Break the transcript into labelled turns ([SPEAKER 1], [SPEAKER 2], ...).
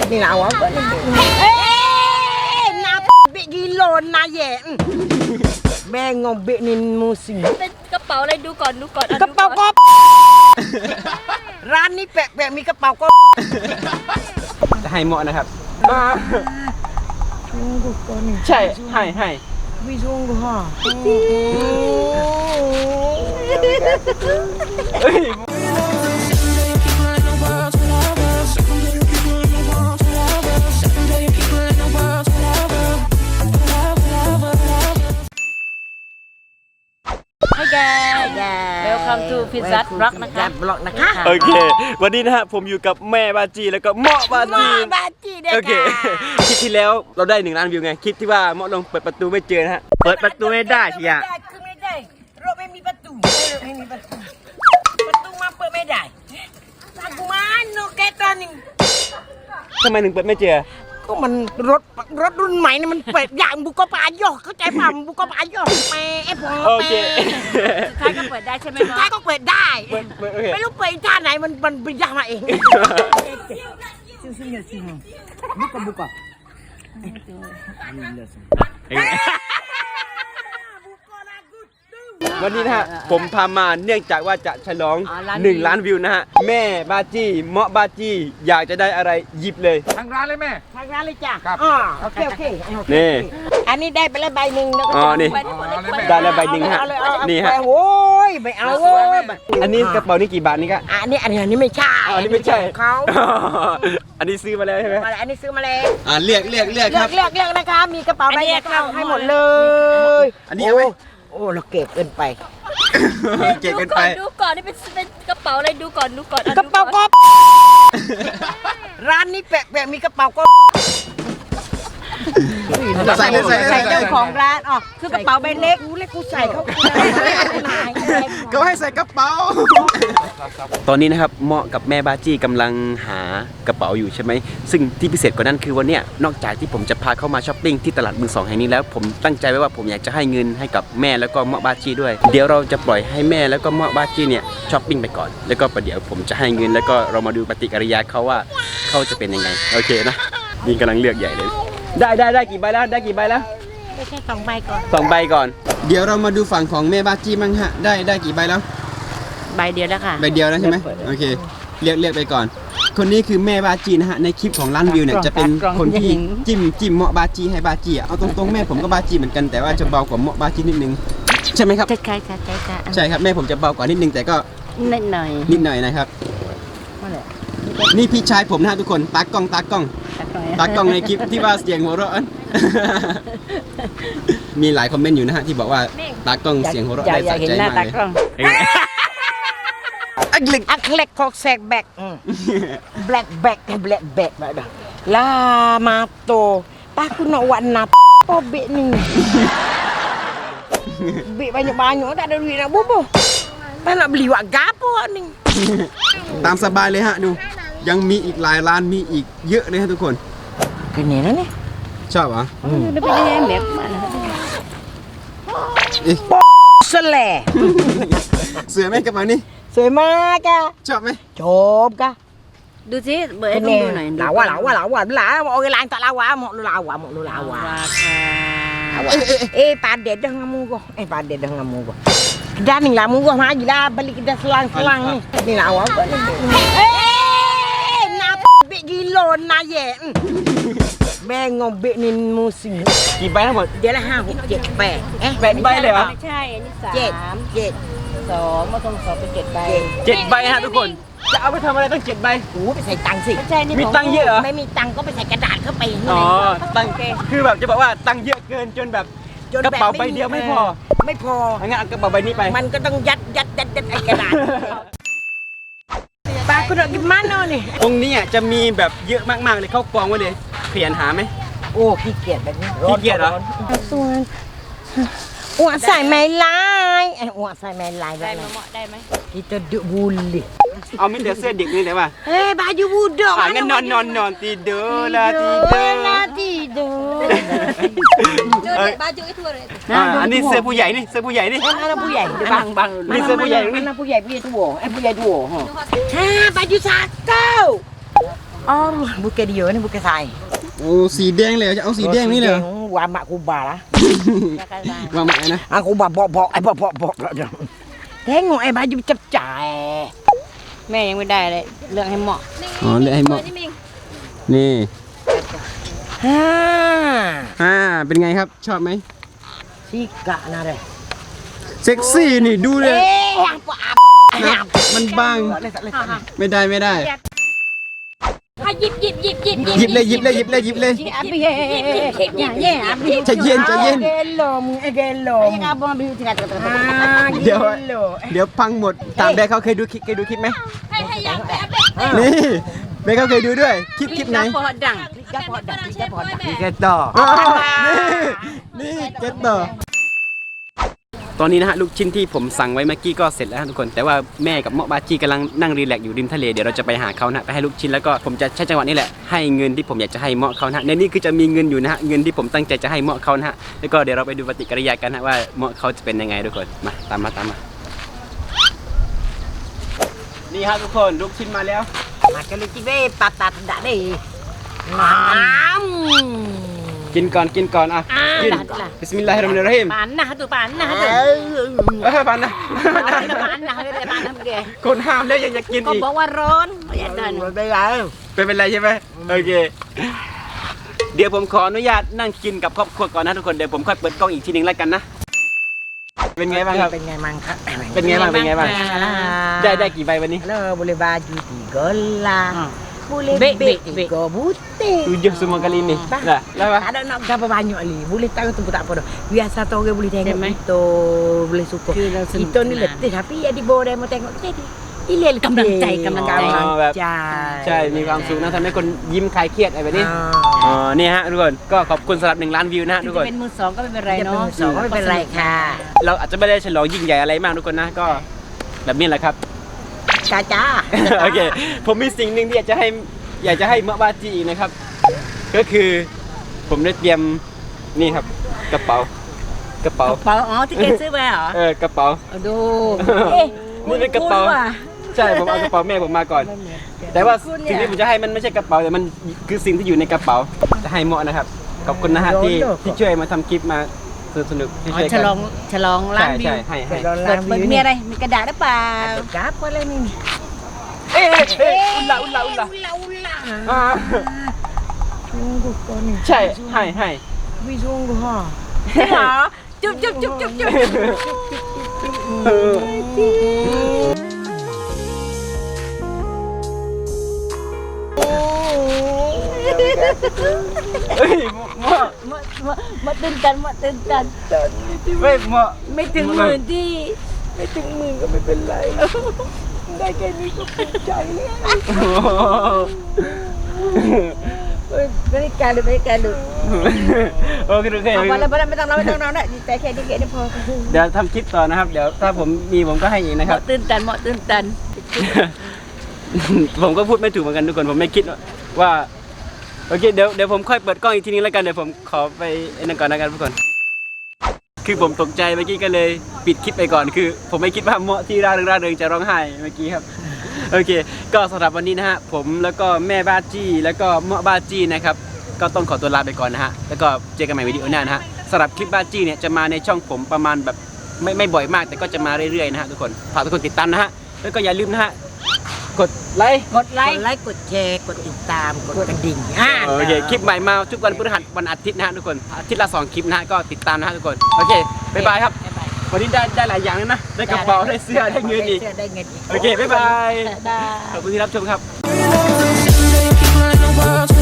[SPEAKER 1] นี่เราอ่ะนาเบกิโลนาแย่แม่งงเบนินมูสิ
[SPEAKER 2] เป็นกระเป๋าอะไรดูก่อน
[SPEAKER 1] กระเป๋าก็ร้านนี้แปะมีกระเป๋าก็
[SPEAKER 3] จะให้เหมาะนะครับใช่ให้
[SPEAKER 1] วิซุงกูฮะ
[SPEAKER 2] Welcome to Pizza Rock นะคะ
[SPEAKER 3] โอเควันนี้นะฮะผมอยู่กับแม่บาจีแล้วก็เหมาะบาจีโอเคคลิปที่แล้วเราได้1 ล้านวิวไงคลิปที่ว่าเหมาะลงเปิดประตูไม่เจอนะฮะเปิดประตูไม่ได้ทีอ่ะ
[SPEAKER 1] คือไม่ได้รถไม่มีประตูมาเปิดไม่ได้กูมันโนเกตอนนี้
[SPEAKER 3] ทำไมถึงเปิดไม่เจอ
[SPEAKER 1] ก็มันรถรุ่นใหม่นี่มันเปิดอย่างบุกปายอเข้าใจป่ะบุกปายอแม่ไอ้พอ
[SPEAKER 3] โอเค
[SPEAKER 2] สุดท้ายก็เปิดได้ใช่ไหม
[SPEAKER 1] สุดท้ายก็เปิดได้ไม่รู้เปิดท่าไหนมันไปยากมาเองบุก
[SPEAKER 3] วันนี้นะฮะผมพามาเนื่องจากว่าจะฉลอง1 ล้านวิวนะฮะแม่บาจีเหมาะบาจีอยากจะได้อะไรหยิบเลย
[SPEAKER 4] ทางร้านเลยแม่
[SPEAKER 1] ทางร้านเลยจ้ะโอเค
[SPEAKER 3] นี่
[SPEAKER 1] อันนี้ได้ไปแล้วใบหนึ่งแล้วก็
[SPEAKER 3] นี่ได้แล้วใบหนึ่งฮะนี่ฮะ
[SPEAKER 1] โอ้ยไม่เอาโว้ย
[SPEAKER 3] อันนี้กระเป๋านี่กี่บาทนี่ก็
[SPEAKER 1] อันนี้ไม่ใช่
[SPEAKER 3] อันนี้ไม่ใช่
[SPEAKER 1] เขา
[SPEAKER 3] อันนี้ซื้อมาแล้วใช่ไหม
[SPEAKER 1] อันนี้ซื้อมาแล้ว
[SPEAKER 3] เลือกครับ
[SPEAKER 1] เลือกนะคะมีกระเป๋าใบเล็กให้หมดเลย
[SPEAKER 3] อันนี้เอาไหม
[SPEAKER 1] โอ้เราเก็บเกินไป
[SPEAKER 2] ดูก่อนนี่เป็นกระเป๋าอะไรดูก่อน
[SPEAKER 1] กระเป๋าก็ร้านนี้แปะมีกระเป๋าก็
[SPEAKER 3] ใส่
[SPEAKER 1] เจ้าของร้านคือกระเป๋าใบเล็กกูใส่เขา
[SPEAKER 3] ก็ให้ใส่กระเป๋าตอนนี้นะครับเหมาะกับแม่บาจีกำลังหากระเป๋าอยู่ใช่ไหมซึ่งที่พิเศษกว่านั้นคือวันนี้นอกจากที่ผมจะพาเข้ามาช้อปปิ้งที่ตลาดมือสองแห่งนี้แล้วผมตั้งใจไว้ว่าผมอยากจะให้เงินให้กับแม่แล้วก็เหมาะบาจีด้วยเดี๋ยวเราจะปล่อยให้แม่แล้วก็เหมาะบาจีเนี่ยช้อปปิ้งไปก่อนแล้วก็ประเดี๋ยวผมจะให้เงินแล้วก็เรามาดูปฏิกิริยาเขาว่าเขาจะเป็นยังไงโอเคนะนี่กำลังเลือกใหญ่เลยได้กี่ใบแล้ว
[SPEAKER 1] ไม่ใช่2 ใบก่อน
[SPEAKER 3] 2 ใบก่อนเดี๋ยวเรามาดูฝั่งของแม่บาจีมั่งฮะได้กี่ใบแล้ว
[SPEAKER 2] ใบเดียวแล้วค่ะ
[SPEAKER 3] ใบเดียวแล้วใช่ไหมโอเคเรียกไปก่อนคนนี้คือแม่บาจีนะฮะในคลิปของล้านวิวเนี่ยจะเป็นคนที่จิ้มเหมาะบาจีให้บาจีเอาตรงๆแม่ผมก็บาจีเหมือนกันแต่ว่าจะเบากว่าเหมาะบาจีนิดนึงใช่ไหมครับ
[SPEAKER 2] ใช่
[SPEAKER 3] ครับแม่ผมจะเบากว่านิดนึงแต่ก็
[SPEAKER 2] นิดหน่
[SPEAKER 3] อยนะครับนี่พี่ชายผมนะฮะทุกคนตากล้องในคลิปที่ว่าเสียงหัวเราะมีหลายคอมเมนต์อยู่นะฮะที่บอกว่าตากล้องเสียงหัวเราะได้สะใจมากเลย
[SPEAKER 1] อักเล็กของแซกแบกแบกลามาโตตาคุณวันนับโอเบนี่เบbanyak tak ada duit nak bobo tak nak beli wak gapo ni
[SPEAKER 3] ตามสบายเลยฮะดูยังมีอีกหลายร้านมีอีกเยอะเลยฮะทุกคน
[SPEAKER 1] คือเนี่ยนะเนี่ย
[SPEAKER 3] ชอบเหรอ
[SPEAKER 2] ไม่เป็นยังไงแบบ
[SPEAKER 1] สแล
[SPEAKER 3] สวยไหมกระเป๋านี่
[SPEAKER 1] สวยมากจ้ะ
[SPEAKER 3] ชอบไหม
[SPEAKER 1] ชอบกะ
[SPEAKER 2] ดูสิเบิร์ดดูหน่อย
[SPEAKER 1] ลาวะโอ้ยลานตะลาวะหมดลาวะpadet dah dengan muka padet dah dengan muka dah ni lah muka maju lah balik kita selang ni lawa nak bek gilo nak ye แม่งงเบนินมูสิ
[SPEAKER 3] กี่ใบทั้งหมด
[SPEAKER 1] เดี๋ยวละ5 6 7 8
[SPEAKER 3] 8ใบเลยเหรอ
[SPEAKER 2] ไม่ใช่อันนี้
[SPEAKER 1] 7 2มาต้อง2เป็น7 ใบ
[SPEAKER 3] 7 ใบฮะทุกคนจะเอาไปทำอะไรตั้ง7 ใบ
[SPEAKER 1] โอ้ไปใส่ตังค์สิ
[SPEAKER 3] มีตังค์เยอะเหรอ
[SPEAKER 1] ไม่มีตังค์ก็ไปใส่กระดาษเข้าไป
[SPEAKER 3] ตังค์คือแบบจะบอกว่าตังค์เยอะเกินจนแบบกระเป๋าใบเดียวไม่พองั้นเอากระเป๋าใบนี้ไป
[SPEAKER 1] มันก็ต้องยัดไอ้กระดาษปาคุณกินมันเนาะนี่
[SPEAKER 3] ตรงนี้จะมีแบบเยอะมากๆเลยเข้ากองไว้เลยเปลี่ยนหาไหม
[SPEAKER 1] โอ้ขี้เกียจแบบนี้
[SPEAKER 3] ขี้เกียจเหรอ
[SPEAKER 1] ส่วนอ้วนใส่ไม่ลายอ้วนใส่ไม่ลาย
[SPEAKER 2] ได้ไหม
[SPEAKER 1] kita duduk bully
[SPEAKER 3] เอาไม่เดือดเสื้อเด็กนี่แต่ว่า
[SPEAKER 1] baju budak
[SPEAKER 3] งั้นนอนtidur lah
[SPEAKER 2] tidur baju itu
[SPEAKER 3] อันนี้เสื้อผู้ใหญ่นี่
[SPEAKER 1] manaผู้ใหญ่
[SPEAKER 3] bangนี่เสื้อผู้ใหญ่นี่
[SPEAKER 1] ผู้ใหญ่tuaผู้ใหญ่tua baju satu Oh, bukan dia ni, bukan saya.
[SPEAKER 3] โอ้สีแดงเลยจะเอาสีแดงนี่เลย
[SPEAKER 1] Wa mak kubah lah.
[SPEAKER 3] วางใหม่นะ
[SPEAKER 1] Aku bok-bok, bok-bok. Tengok baju pecah.
[SPEAKER 2] แม่ยังไม่ได้เลยเรื่องให้เหมาะ
[SPEAKER 3] อ๋อเลือกให้เหมาะ
[SPEAKER 2] นี่มิง
[SPEAKER 3] นี่
[SPEAKER 1] Ha.
[SPEAKER 3] เป็นไงครับชอบไหม
[SPEAKER 1] Sika nak dah.
[SPEAKER 3] เซ็กซี่นี่ดูเลย
[SPEAKER 1] Apa
[SPEAKER 3] นะมันบาง
[SPEAKER 1] tak boleh.
[SPEAKER 3] ไม่ได้ไม่ได้
[SPEAKER 2] หยิบ
[SPEAKER 3] หยิบเลย
[SPEAKER 2] abi ya abi
[SPEAKER 3] ใจเย็น
[SPEAKER 1] Gelom.
[SPEAKER 2] ยังabang abi tinggal
[SPEAKER 1] Ah,
[SPEAKER 3] เดี๋ยว
[SPEAKER 1] gelo.
[SPEAKER 3] เดี๋ยวพังหมดตามแบกเขาเคยดูคลิปไหม
[SPEAKER 2] ให้ยังแบบ
[SPEAKER 3] นี่แบกเขาเคยดูด้วยคลิปไหน
[SPEAKER 2] พอดัง
[SPEAKER 1] Kereta.
[SPEAKER 3] นี่เก็ตต่อตอนนี้นะฮะลูกชิ้นที่ผมสั่งไว้เมื่อกี้ก็เสร็จแล้วทุกคนแต่ว่าแม่กับเมาะบาจีกำลังนั่งรีแลกซ์อยู่ริมทะเลเดี๋ยวเราจะไปหาเขานะไปให้ลูกชิ้นแล้วก็ผมจะใช้จังหวะนี้แหละให้เงินที่ผมอยากจะให้เมาะเขานะในนี้คือจะมีเงินอยู่นะฮะเงินที่ผมตั้งใจจะให้เมาะเขานะฮะแล้วก็เดี๋ยวเราไปดูปฏิกิริยากันนะว่าเมาะเขาจะเป็นยังไงทุกคนมาตามมานี่ฮะทุกคนลูกชิ้นมาแล้ว
[SPEAKER 1] Makan lu cibe patat dak deh. Mam.
[SPEAKER 3] กินก่อนอ่ะกินบิสมิลลาฮิรเราะห์มานิรเราะฮีม
[SPEAKER 2] panah tu
[SPEAKER 3] ปันนะ
[SPEAKER 2] panah dia
[SPEAKER 3] คนห้ามแล้วยังจะกิน
[SPEAKER 2] ก็
[SPEAKER 3] อีก
[SPEAKER 2] บอกว่าร้อนอย่าเดิน
[SPEAKER 1] Rồi bây giờ.
[SPEAKER 3] เป็นไรใช่ไหมโอเค เดี๋ยวผมขออนุญาตนั่งกินกับครอบครัวก่อนนะทุกคนเดี๋ยวผมค่อยเปิดกล้องอีกทีนึงแล้วกันนะเป็นไงบ้างครับ
[SPEAKER 1] Bên ngày mang khắc.
[SPEAKER 3] เป็นไงบ้างได้กี่ใบวันนี้
[SPEAKER 1] Halo, boleh baju 3 lah. Boleh
[SPEAKER 2] Beg,
[SPEAKER 1] beg
[SPEAKER 2] beg.
[SPEAKER 1] 3 butir.
[SPEAKER 3] 7 semua kali ni lah lah
[SPEAKER 1] Tak ada nak berapa banyak ni. Boleh tahu tu pun tak apa dah. Biasa tu orang boleh tengok
[SPEAKER 2] Memang.
[SPEAKER 1] kita, boleh suka.
[SPEAKER 2] Kita senang.
[SPEAKER 1] Kita ni letih tapi ya di bawah dia mau tengok jadi. Ilil
[SPEAKER 2] กำลังใจกำลังใจ
[SPEAKER 3] ใช่มีความสุขนะทำให้คนยิ้มคลายเครียดอะไรแบบนี้
[SPEAKER 1] Ah.
[SPEAKER 3] อ๋อนี่ฮะทุกคนก็ขอบคุณสำหรับ1 ล้านวิวนะฮะทุก
[SPEAKER 2] จะ
[SPEAKER 3] คน
[SPEAKER 2] เป็นมือสองก็ไม่เป็นไร
[SPEAKER 1] Dia
[SPEAKER 2] เนาะ
[SPEAKER 1] pun so,ไม่เป็นไรค่ะ
[SPEAKER 3] เราอาจจะไม่ได้ฉลองยิ่งใหญ่อะไรมากทุกคนนะก็แบบนี้แหละครับ
[SPEAKER 1] จ้า
[SPEAKER 3] โอเค ผมมีสิ่งหนึ่งที่อยากจะให้เมะบาจีอีกนะครับ ก็คือผมได้เตรียมนี่ครับกระเป๋า
[SPEAKER 2] กระเป๋าอ๋อที่เกซื้อไปเหรอก
[SPEAKER 3] ระเป๋า
[SPEAKER 2] ดู
[SPEAKER 3] นี่เป็นกระเป๋าใช่ผมเอากระเป๋าแม่ผมมาก่อน แต่ว่าสิ่งที่ผมจะให้มันไม่ใช่กระเป๋าแต่มันคือสิ่งที่อยู่ในกระเป๋าจะให้เมะนะครับขอบคุณนะฮะที่ช่วยมาทำคลิปมาสนุกที่ช่วย
[SPEAKER 2] ฉ
[SPEAKER 3] กัน
[SPEAKER 2] ลองล้านวิว
[SPEAKER 3] ใช่ให้
[SPEAKER 1] เปิด
[SPEAKER 2] เปิดมีอะไรมีกระดาษหรือเปล่า
[SPEAKER 1] Gap boleh ni.
[SPEAKER 3] อุลละอ่า
[SPEAKER 1] Sungguh kau ni.
[SPEAKER 3] ใช่ให้
[SPEAKER 1] Tapi sungguh ha.
[SPEAKER 2] เหรอจุ๊บ
[SPEAKER 3] เฮ้ยเมะ
[SPEAKER 2] มาตื่นตัน
[SPEAKER 3] เฮ้ยเมะ
[SPEAKER 2] ไม่ถึงหมื่นที่
[SPEAKER 1] ไม่ถึงหมื่นก็ไม่เป็นไร ได้แค่นี้ก็ภูมิใจแล้ว ไม่ได้การเลย
[SPEAKER 3] โอเค
[SPEAKER 2] เอาไปแล้วไม่ต้องเราได้ใจแค่นี้แค่พอ
[SPEAKER 3] เดี๋ยวทำคลิปต่อนะครับ เดี๋ยวถ้าผมมีผมก็ให้อีกนะครับ
[SPEAKER 2] ตื่นตัน
[SPEAKER 3] ผมก็พูดไม่ถูกเหมือนกันทุกคนผมไม่คิดว่าโอเคเดี๋ยวผมค่อยเปิดกล้องอีกทีนึงแล้วกันเดี๋ยวผมขอไปไอ้นั่นก่อนนะครับทุกคนคือผมตกใจเมื่อกี้ก็เลยปิดคลิปไปก่อนคือ ผมไม่คิดว่าเมาะที่ร่าเริงจะร้องไห้เมื่อกี้ครับโอเค ก็สำหรับวันนี้นะฮะผมแล้วก็แม่บ้าจี้แล้วก็เมาะบ้าจี้นะครับก็ต้องขอตัวลาไปก่อนนะฮะแล้วก็เจอกันใหม่วิดีโอหน้านะฮะสำหรับคลิปบ้าจี้เนี่ยจะมาในช่องผมประมาณแบบไม่บ่อยมากแต่ก็จะมาเรื่อยๆนะฮะทุกคนฝากทุกคนติดตามนะฮะแล้วก็อย่าลืมนะฮะกดไลค์
[SPEAKER 2] กดไลค์
[SPEAKER 1] กดแชร์กดติดตามกดกระดิ่ง
[SPEAKER 3] โอเคคลิปใหม่มาทุกวันพฤหัสวันอาทิตย์นะฮะทุกคนอาทิตย์ละ2คลิปนะฮะก็ติดตามนะฮะทุกคนโอเคบ๊ายบายครับวันนี้ได้หลายอย่างเลยนะได้กระเป๋าได้เสื้อได้เงินอีก
[SPEAKER 1] ได้เงินอีก
[SPEAKER 3] โอเคบ๊ายบายขอบคุณที่รับชมครับ
[SPEAKER 4] People in the world